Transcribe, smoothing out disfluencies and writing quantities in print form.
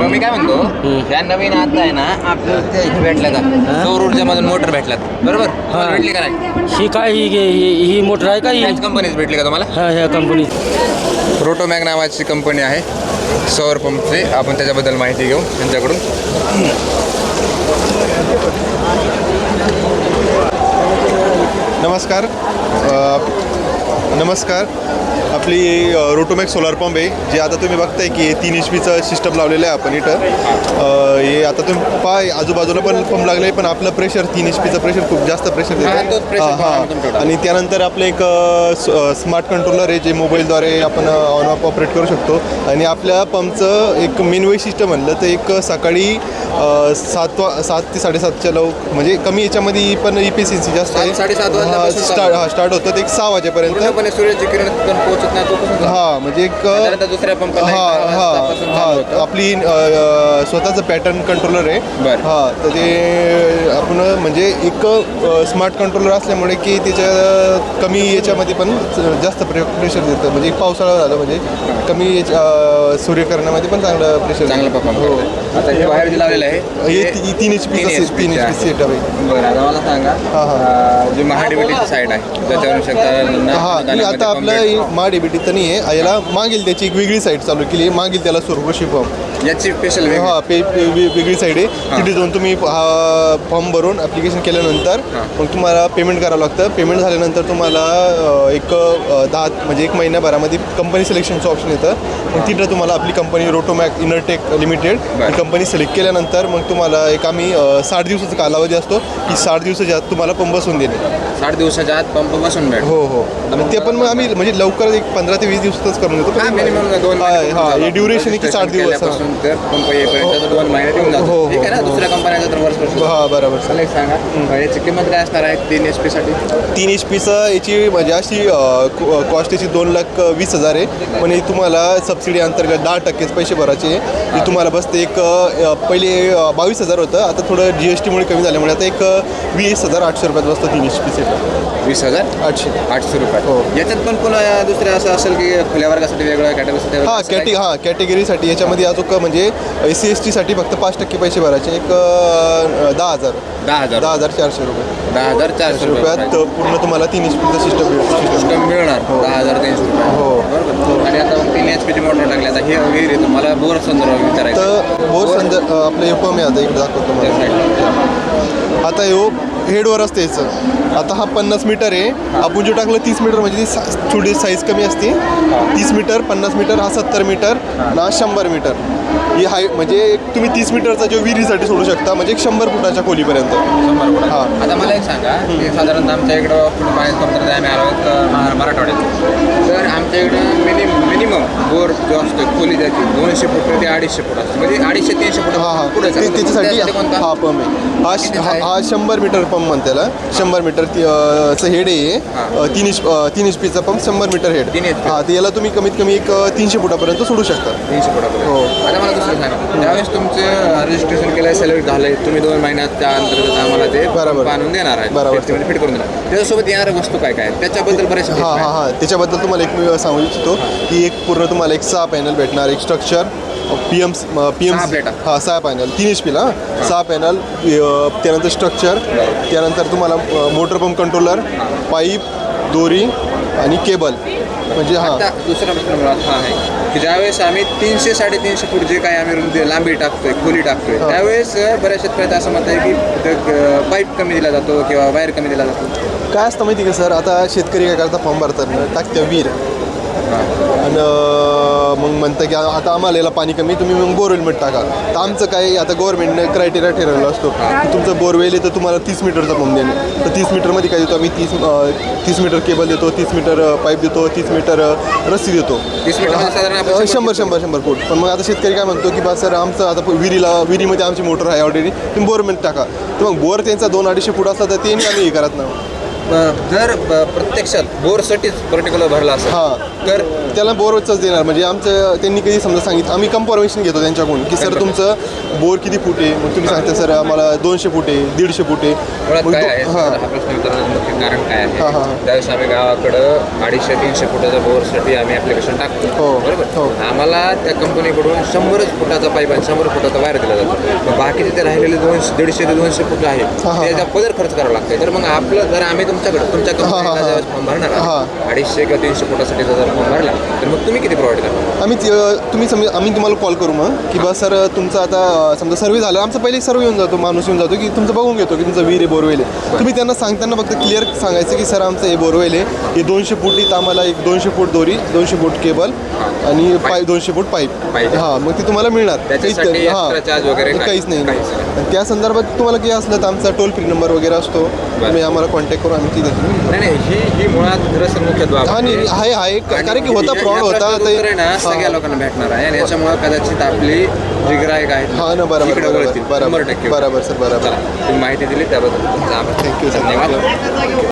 मग मी काय म्हणतो त्या नवीन आता आहे ना आपल्याला ते इथे भेटल्या का सौर ऊर्जामधून मोटर भेटल्यात बरोबर भेटली का नाही ही काय ही मोटर आहे का ही ह्याच कंपनीच भेटली का तुम्हाला हा ह्या कंपनी रोटोमॅग नावाची कंपनी आहे सौर पंपची आपण त्याच्याबद्दल माहिती घेऊ त्यांच्याकडून नमस्कार आपली रोटोमॅग सोलार पंप आहे जे आता तुम्ही बघताय की 3 HP सिस्टम लावलेलं आहे आपण इथं हे आता तुम्ही पाय आजूबाजूला पण पंप लागले पण आपलं प्रेशर 3 HP प्रेशर खूप जास्त प्रेशर देतं आणि त्यानंतर आपलं एक स्मार्ट कंट्रोलर आहे जे मोबाईलद्वारे आपण ऑन ऑफ ऑपरेट करू शकतो आणि आपल्या पंपचं एक मेन वैशिष्ट्य म्हणलं तर एक सकाळी 7 ते 7:30च्या म्हणजे कमी याच्यामध्ये पण इफिशियन्सी जास्त आहे स्टार्ट होतं ते एक 6 वाजेपर्यंत सूर्याची किरण पोहोचत नाही हां म्हणजे एक दुसऱ्या पंप आपली स्वतःचं पॅटर्न कंट्रोलर आहे हां तर ते आपण म्हणजे एक स्मार्ट कंट्रोलर असल्यामुळे की त्याच्या कमी याच्यामध्ये पण जास्त प्रेशर देतं म्हणजे पावसाळा झालं म्हणजे कमी सूर्यकिरणामध्ये पण चांगलं प्रेशर चांगलं परफॉर्म हो आता हे बाहेर लावलेलं आहे हे 3 HP सेटअप आहे बरं आता मला सांगा जी महाडीबीटीची साईड आहे त्याच्यावर हां आता आपलं महाडीबीटी तर नाही आहे याला मागील त्याची एक वेगळी साईड चालू केली आहे मागील त्याला सुरकृषी पंप याची स्पेशल वेगळी साईड आहे तिथे जाऊन तुम्ही हा फॉर्म भरून ॲप्लिकेशन केल्यानंतर मग तुम्हाला पेमेंट करावं लागतं पेमेंट झाल्यानंतर तुम्हाला एक 10 म्हणजे 1 महिन्याभरामध्ये कंपनी सिलेक्शनचं ऑप्शन येतं मग तिथं तुम्हाला आपली कंपनी रोटोमॅग इनरटेक लिमिटेड ही कंपनी सिलेक्ट केल्यानंतर मग तुम्हाला एक आम्ही 60 दिवसाचा कालावधी असतो की 60 दिवसाच्या आत तुम्हाला पंप बसवून देणे 60 दिवसाच्या आत पंप बसवून भेट हो आणि ते पण मग आम्ही म्हणजे लवकर एक 15 ते 20 दिवसातच करून देतो मिनिमम 2 हे ड्युरेशन आहे की 60 दिवस पंप येईपर्यंत 2 महिने येऊन जातो ठीक आहे ना दुसऱ्या कंपन्याचा तर वर्ष हां बरोबर चालेल सांगा याची किंमत काय असणार आहे 3 HP साठी 3 HPचं याची म्हणजे अशी कॉस्ट याची 2,20,000 आहे पण तुम्हाला सबसिडी अंतर्गत 10% पैसे भरायचे हे तुम्हाला बसते एक पहिले 22,000 होतं आता थोडं GSTमुळे कमी झाल्यामुळे आता एक 20,800 रुपयात बसतं 3 HP सेट 20,800 रुपये हो याच्यात पण पुन्हा दुसऱ्या असं असेल की खुल्या वर्गासाठी वेगळं कॅटेगरीसाठी कॅटेगरीसाठी याच्यामध्ये अजून म्हणजे SC ST साठी फक्त 5% पैसे भरायचे एक 10,400 रुपये 10,400 रुपयात पूर्ण तुम्हाला 3 HPचं सिस्टम मिळणार 10,300 रुपये हो आणि आता 3 HP ची मोटर टाकली आता हे वगैरे तुम्हाला बोर संदर्भ विचारायचं तर बोर आपलं हे पंप आहे आता इकडे दाखवतो मला आता हे हेडवर असते याचं आता हा 50 मीटर आहे आपण जो टाकलं 30 मीटर म्हणजे ती थोडी साईज कमी असते 30 मीटर 50 मीटर हा 70 मीटर आणि हा 100 मीटर ही म्हणजे तुम्ही 30 मीटरचा जो विहिरीसाठी सोडू शकता म्हणजे 100 फुटाच्या खोलीपर्यंत 100 फुट हां आता मला एक सांगा की साधारणतः आमच्या इकडं पाण्याचं कमतरता आम्ही आलो मराठवाड्यात तर आमच्या इकडं मिनिमम बोर जो असतो खोली जायची 200 फूट ते 250 फूट असतो म्हणजे 250-300 फूट पुढे त्याच्यासाठी हा पंप आहे हा 100 मीटर पंप म्हणते त्याला 100 मीटरचं हेड आहे 3 HPचा पंप 100 मीटर हेड हां ते याला तुम्ही कमीत कमी एक 300 फुटापर्यंत सोडू शकता 300 फुटापर्यंत हो आता मला दुसरं सांगा त्यावेळेस तुमचं रजिस्ट्रेशन केलं सिलेक्ट झालं तुम्ही 2 महिन्यात त्या अंतर्गत आम्हाला ते आणून देणार आहे बरोबर फिट करून देणार त्याच्यासोबत येणाऱ्या वस्तू काय काय त्याच्याबद्दल बरेच हां त्याच्याबद्दल तुम्हाला एक मी सांगू इच्छितो की एक पूर्ण तुम्हाला एक 6 पॅनल भेटणार एक स्ट्रक्चर PM 6 पॅनल 3 HPला 6 पॅनल त्यानंतर स्ट्रक्चर त्यानंतर तुम्हाला मोटर पंप कंट्रोलर पाईप दोरी आणि केबल म्हणजे दुसरा प्रश्न मला हा आहे की ज्यावेळेस आम्ही 300-350 फूट जे काही आम्ही लांबी टाकतोय खोली टाकतोय त्यावेळेस बऱ्याच शेतकऱ्याचं असं मत आहे की पाईप कमी दिला जातो किंवा वायर कमी दिला जातो काय असतं माहिती का सर आता शेतकरी काय करता फॉर्म भरतात टाकत्या विहीर आणि मग म्हणतं की आता आम्हाला याला पाणी कमी तुम्ही मग बोरवेलमध्ये टाका तर आमचं काय आता गव्हर्नमेंटने क्रायटेरिया ठरवला असतो की तुमचं बोरवेल आहे तर तुम्हाला 30 मीटरचा पंप देणे तर 30 मीटरमध्ये काय देतो आम्ही 30 मीटर केबल देतो 30 मीटर पाईप देतो 30 मीटर रस्सी देतो 100 फूट पण मग आता शेतकरी काय म्हणतो की बा सर आमचं आता विहिरीमध्ये आमची मोटर आहे ऑलरेडी तुम्ही बोरमध्ये टाका तर मग बोर त्यांचा 200-250 फूट असला तर ते आम्ही हे करत नाही जर प्रत्यक्षात बोरसाठीच पर्टिक्युलर भरला असेल हां तर त्याला बोरवरच देणार. म्हणजे आमचं त्यांनी कधी समजा सांगितलं, आम्ही कन्फर्मेशन घेतो त्यांच्याकडून की सर तुमचं बोर किती फूट आहे. मग तुम्ही सांगता सर आम्हाला 200 फूट आहे, 150 फूट आहे. मुळात मग काय आहे हां हा प्रश्न विचारण्याचं मुख्य कारण काय हां, आहे हां. त्यावेळेस आम्ही गावाकडं 250-300 फुटाच्या बोरसाठी आम्ही ॲप्लिकेशन टाकतो हो, बरोबर. हो. आम्हाला त्या कंपनीकडून 100 फुटाचा पाईप आणि 100 फुटाचा वायर दिला जातो. मग बाकीचे ते राहिलेले 150 ते 200 फूट आहे हां. त्याचा पदर खर्च करावा लागतो. तर मग आपलं जर आम्ही तुमच्याकडे तुमच्या कंपनीला ज्यावेळेस फॉर्म भरणार हां. 250 किंवा 300 फुटासाठी जर फॉर्म भरला तर मग तुम्ही किती प्रोव्हाइड करणार? आम्ही तुम्हाला कॉल करू मग की बा सर तुमचं आता समजा सर्वे झालं. आमचा पहिले सर्वे येऊन जातो, माणूस येऊन जातो की तुमचं बघून घेतो की तुमचं विहीर आहे, बोरवेल आहे. तुम्ही त्यांना सांगताना फक्त क्लिअर सांगायचं की सर आमचं हे बोरवेल आहे, हे 200 फूट इथं आम्हाला एक 200 फूट दोरी, 200 फूट केबल आणि 200 फूट पाईप. पाहिजे. हां मग ते तुम्हाला मिळणार. त्याच्यासाठी हां, extra charge वगैरे काहीच नाही. काहीच नाही. आणि त्या संदर्भात तुम्हाला काही असलं तर आमचा टोल फ्री नंबर वगैरे असतो, तुम्ही आम्हाला कॉन्टॅक्ट करू, आम्ही ती देतो. नाही ही मुळात खरंच मुख्य बाब हां नाही आहे कारण की होता फ्रॉड होता उत्तर आहे ना हां. सगळ्या लोकांना भेटणार आहे आणि याच्यामुळे कदाचित आपली जी ग्राहक आहेत हां ना बरोबर इकडे बरोबर वळतील. बरोबर 100% बरोबर सर बरोबर. चला तुम्ही माहिती दिली त्याबद्दल तुमचा आभार. थँक्यू सर धन्यवाद. थँक्यू.